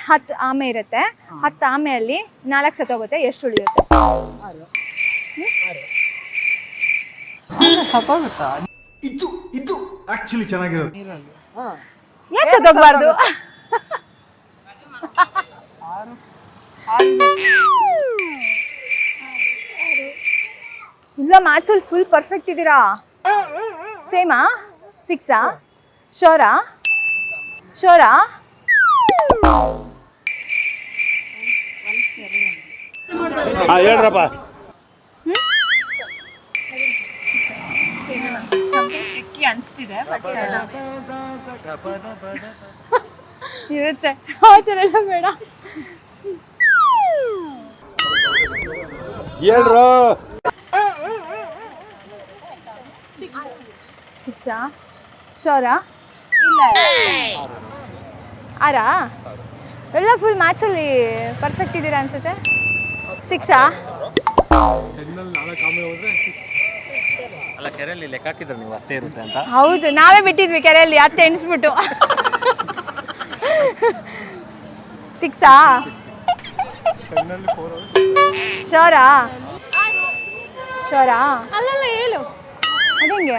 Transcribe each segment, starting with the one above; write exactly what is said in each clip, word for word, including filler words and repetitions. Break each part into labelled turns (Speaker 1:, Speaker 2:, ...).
Speaker 1: ಹತ್ತು ಆಮೆ ಇರುತ್ತೆ, ಹತ್ತು ಆಮೆಯಲ್ಲಿ ನಾಲ್ಕು ಸತ್ತೋಗುತ್ತೆ, ಎಷ್ಟು ಉಳಿಯುತ್ತೆ?
Speaker 2: ಸತ್ತೋಗುತ್ತಾ?
Speaker 3: ಇದು ಇದು ಆಕ್ಚುಲಿ ಚೆನ್ನಾಗಿರೋದು.
Speaker 1: ಯಾಕೆ ಸತ್ತೋಗ್ಬಾರ್ದು? ಇಲ್ಲ ಮ್ಯಾಥ್ಸಲ್ಲಿ ಫುಲ್ ಪರ್ಫೆಕ್ಟ್ ಇದ್ದೀರಾ. ಸೇಮಾ? ಸಿಕ್ಸಾ? ಶೋರಾ? ಶೋರಾ?
Speaker 4: ಹೇಳ್ರಪ್ಪ.
Speaker 1: ಅನಿಸ್ತಿದೆ ಇರುತ್ತೆ, ಆ ಥರ ಎಲ್ಲ ಬೇಡ.
Speaker 4: ಹೇಳ್ರು.
Speaker 1: ಸಿಕ್ಸಾ? ಶೋರಾ?
Speaker 5: ಇಲ್ಲ
Speaker 1: ಆರಾ? ಎಲ್ಲ ಫುಲ್ ಮ್ಯಾಥ್ಸಲ್ಲಿ ಪರ್ಫೆಕ್ಟ್ ಇದ್ದೀರಾ ಅನ್ಸುತ್ತೆ. ಸಿಕ್ಸಾ?
Speaker 2: ಅಲ್ಲ ಕೆರೆಯಲ್ಲಿ ಲೆಕ್ಕ ಹಾಕಿದ್ರೆ ನೀವು ಹತ್ತೆ ಇರುತ್ತೆ ಅಂತ.
Speaker 1: ಹೌದು, ನಾವೇ ಬಿಟ್ಟಿದ್ವಿ ಕೆರೆಯಲ್ಲಿ ಹತ್ತು ಎಣಿಸ್ಬಿಟ್ಟು. ಸಿಕ್ಸಾ? ಶೋರಾ? ಶೋರಾ?
Speaker 5: ಅಲ್ಲಲ್ಲ ಹೇಳು.
Speaker 1: ಅದಂಗೆ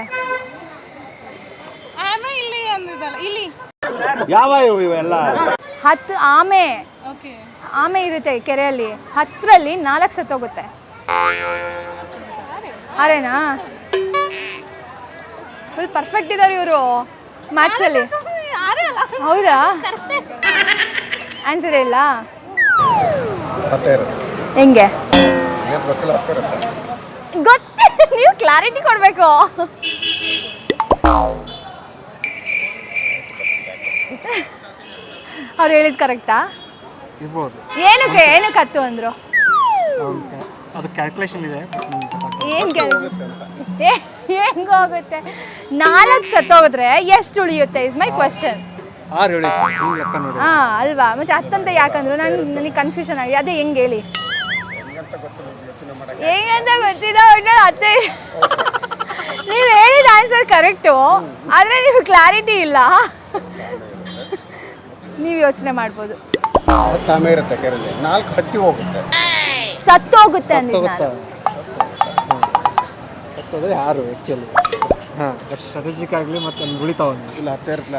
Speaker 5: ಆಮೆ ಇಲ್ಲಿ ಅಂದಿದ್ದಲ್ಲ, ಇಲ್ಲಿ
Speaker 4: ಯಾವ ಇವೆಲ್ಲ?
Speaker 1: ಹತ್ತು ಆಮೆ
Speaker 5: ಓಕೆ
Speaker 1: ಆಮೆ ಇರುತ್ತೆ ಕೆರೆಯಲ್ಲಿ, ಹತ್ತರಲ್ಲಿ ನಾಲ್ಕು ಸತ್ತೋಗುತ್ತೆ. ಅರೇನಾ? ಫುಲ್ ಪರ್ಫೆಕ್ಟ್ ಇದ್ದಾರೆ ಇವರು ಮ್ಯಾಥ್ಸಲ್ಲಿ. ಹೌದಾ? ಆನ್ಸರ್ ಇಲ್ಲ. ಹೆಂಗೆ ಗೊತ್ತೇ? ನೀವು ಕ್ಲಾರಿಟಿ ಕೊಡಬೇಕು. ಅವ್ರು ಹೇಳಿದ್ ಕರೆಕ್ಟಾ?
Speaker 2: ಇರ್ಬೋದು.
Speaker 1: ಏನಕ್ಕೆ ಏನಕ್ಕೆ ಹತ್ತು ಅಂದ್ರು?
Speaker 2: ಅದು ಕ್ಯಾಲ್ಕುಲೇಷನ್ ಇದೆ.
Speaker 1: ಏನ್ ಹೆಂಗೋಗುತ್ತೆ? ನಾಲ್ಕು ಸತ್ತೋಗಿದ್ರೆ ಎಷ್ಟು ಉಳಿಯುತ್ತೆ ಇಸ್ ಮೈ ಕ್ವಶನ್.
Speaker 2: ಆರು ಹೇಳಿ ಲೆಕ್ಕ ನೋಡಿ.
Speaker 1: ಹಾ ಅಲ್ವಾ, ಮತ್ತೆ ಹತ್ತಂತ ಯಾಕಂದ್ರು ನಾನು ನನಗೆ ಕನ್ಫ್ಯೂಷನ್ ಆಗಿದೆ. ಅದೇ ಹೆಂಗೆ ಹೇಳಿ? ಹೆಂಗಂತ ಗೊತ್ತಿಲ್ಲ, ಒಟ್ಟು ಹತ್ತೆ. ನೀವು ಹೇಳಿದ ಆನ್ಸರ್ ಕರೆಕ್ಟು, ಆದರೆ ನೀವು ಕ್ಲಾರಿಟಿ ಇಲ್ಲ. ನೀವು ಯೋಚನೆ ಮಾಡ್ಬೋದು.
Speaker 4: ಆಮೆ ಇರುತ್ತೆ ಕೆರೆಯಲ್ಲಿ, ನಾಲ್ಕು ಹತ್ತಿ ಹೋಗುತ್ತೆ,
Speaker 1: ಸತ್ತೋಗುತ್ತೆ ಅಂದಿದ್ದು ನಾನು.
Speaker 2: ಸತ್ತೋದ್ರೆ ಆರು ಆ್ಯಕ್ಚುಲಿ. ಹಾಂ ಬಟ್ ಸ್ಟ್ರಾಟಜಿಕ್ ಆಗಲಿ ಮತ್ತು ಉಳಿತಾವ
Speaker 4: ಇಲ್ಲ ಹತ್ತೆ ಇರುತ್ತಲ್ಲ.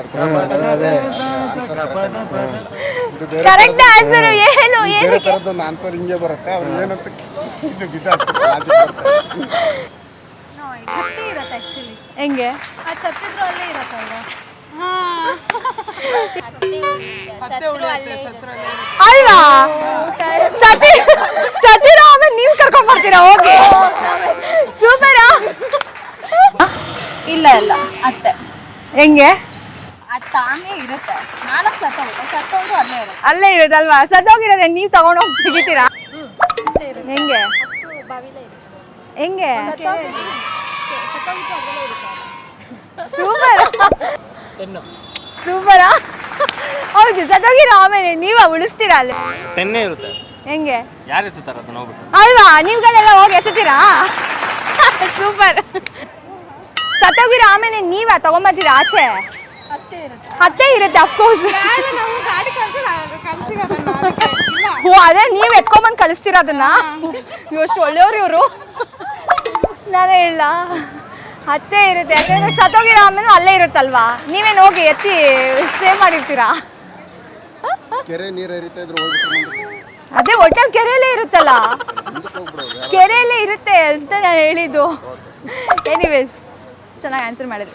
Speaker 1: ಕರೆಕ್ಟ್ ಆನ್ಸರ್ ಏನು?
Speaker 4: ಬೇರೆ ಥರದ್ದೊಂದು ಆನ್ಸರ್ ಹಿಂಗೆ ಬರುತ್ತೆ. ಅವ್ರು ಏನಂತ ಇದು ಗಿದ
Speaker 5: ಹತ್ತಿ ಇರುತ್ತೆ ಆ್ಯಕ್ಚುಲಿ.
Speaker 1: ಹೆಂಗೆ?
Speaker 5: ಅದು ಸತ್ತಿದ್ರು ಅಲ್ಲೇ ಇರತ್ತಲ್ವ?
Speaker 1: ಅಲ್ವಾ? ಸತಿ ಸತಿರೋ ಆಮೇಲೆ ನೀವು ಕರ್ಕೊಂಡ್ ಬರ್ತೀರಾ? ಓಕೆ ಸೂಪರಾ.
Speaker 5: ಇಲ್ಲ ಇಲ್ಲ ಅತ್ತೆ.
Speaker 1: ಹೆಂಗೆ?
Speaker 5: ಅದು ತಾನೇ ಇರುತ್ತೆ, ನಾಲ್ಕು ಸತ್ತೋಗುತ್ತೆ, ಸತ್ತೋದ್ರು ಅಲ್ಲೇ ಇರುತ್ತೆ.
Speaker 1: ಅಲ್ಲೇ ಇರೋದಲ್ವಾ? ಸತ್ತೋಗಿರೋದೆ ನೀವು ತಗೊಂಡು ಹೋಗಿ ತೆಗಿತೀರಾ? ಹೆಂಗೆ ಹೆಂಗೆ? ಸೂಪರ್ ಸೂಪರಾ. ಹೌದು, ಸತ್ತೋಗಿರೋ ಆಮೇಲೆ ನೀವ ಉಳಿಸ್ತೀರಾ ಅಲ್ಲಿ?
Speaker 2: ಟೆನ್ನೇ ಇರುತ್ತೆ.
Speaker 1: ಹೆಂಗೆ?
Speaker 2: ಯಾರು ಎತ್ತುತ್ತಾರೆ ಅದನ್ನ ಹೋಗ್ಬಿಟ್ಟು?
Speaker 1: ಅಲ್ವಾ, ನೀವುಗಳೆಲ್ಲ ಹೋಗಿ ಎತ್ತುತ್ತೀರಾ? ಸೂಪರ್. ಸತ್ತೋಗಿರೋ ಆಮೇಲೆ ನೀವ ತಗೊಂಬರ್ತೀರಾ ಆಚೆ?
Speaker 5: ಹತ್ತೆ ಇರುತ್ತೆ.
Speaker 1: ಹತ್ತೆ ಇರುತ್ತೆ ಅಫ್ಕೋರ್ಸ್.
Speaker 5: ನಾವು ಗಾಡಿ ಕಳ್ಸಿರೋದನ್ನ
Speaker 1: ಓ ಅದೇ ನೀವು ಎತ್ಕೊಂಬಂದು ಕಳಿಸ್ತೀರ ಅದನ್ನ? ಇವಷ್ಟು ಒಳ್ಳೆಯವ್ರು ಇವರು. ನಾನು ಹೇಳ ಹತ್ತೆ ಇರುತ್ತೆ, ಯಾಕಂದ್ರೆ ಸತ್ತೋಗಿರೋ ಆಮೇಲೆ ಅಲ್ಲೇ ಇರುತ್ತಲ್ವಾ, ನೀವೇನು ಹೋಗಿ ಎತ್ತಿ ಸೇವ್ ಮಾಡಿರ್ತೀರಾ?
Speaker 4: ಕೆರೆ ನೀರು ಹರಿತಾ ಇದ್ರು ಹೋಗ್ಬಿಟ್ಟು
Speaker 1: ಅದೇ ಒಟ್ಟಲ್ಲಿ ಕೆರೆಯಲ್ಲೇ ಇರುತ್ತಲ್ಲ, ಕೆರೆಯಲ್ಲೇ ಇರುತ್ತೆ ಅಂತ ನಾನು ಹೇಳಿದ್ದು. ಎನಿವೇಸ್ ಚೆನ್ನಾಗಿ ಆನ್ಸರ್ ಮಾಡಿದ್ರಿ.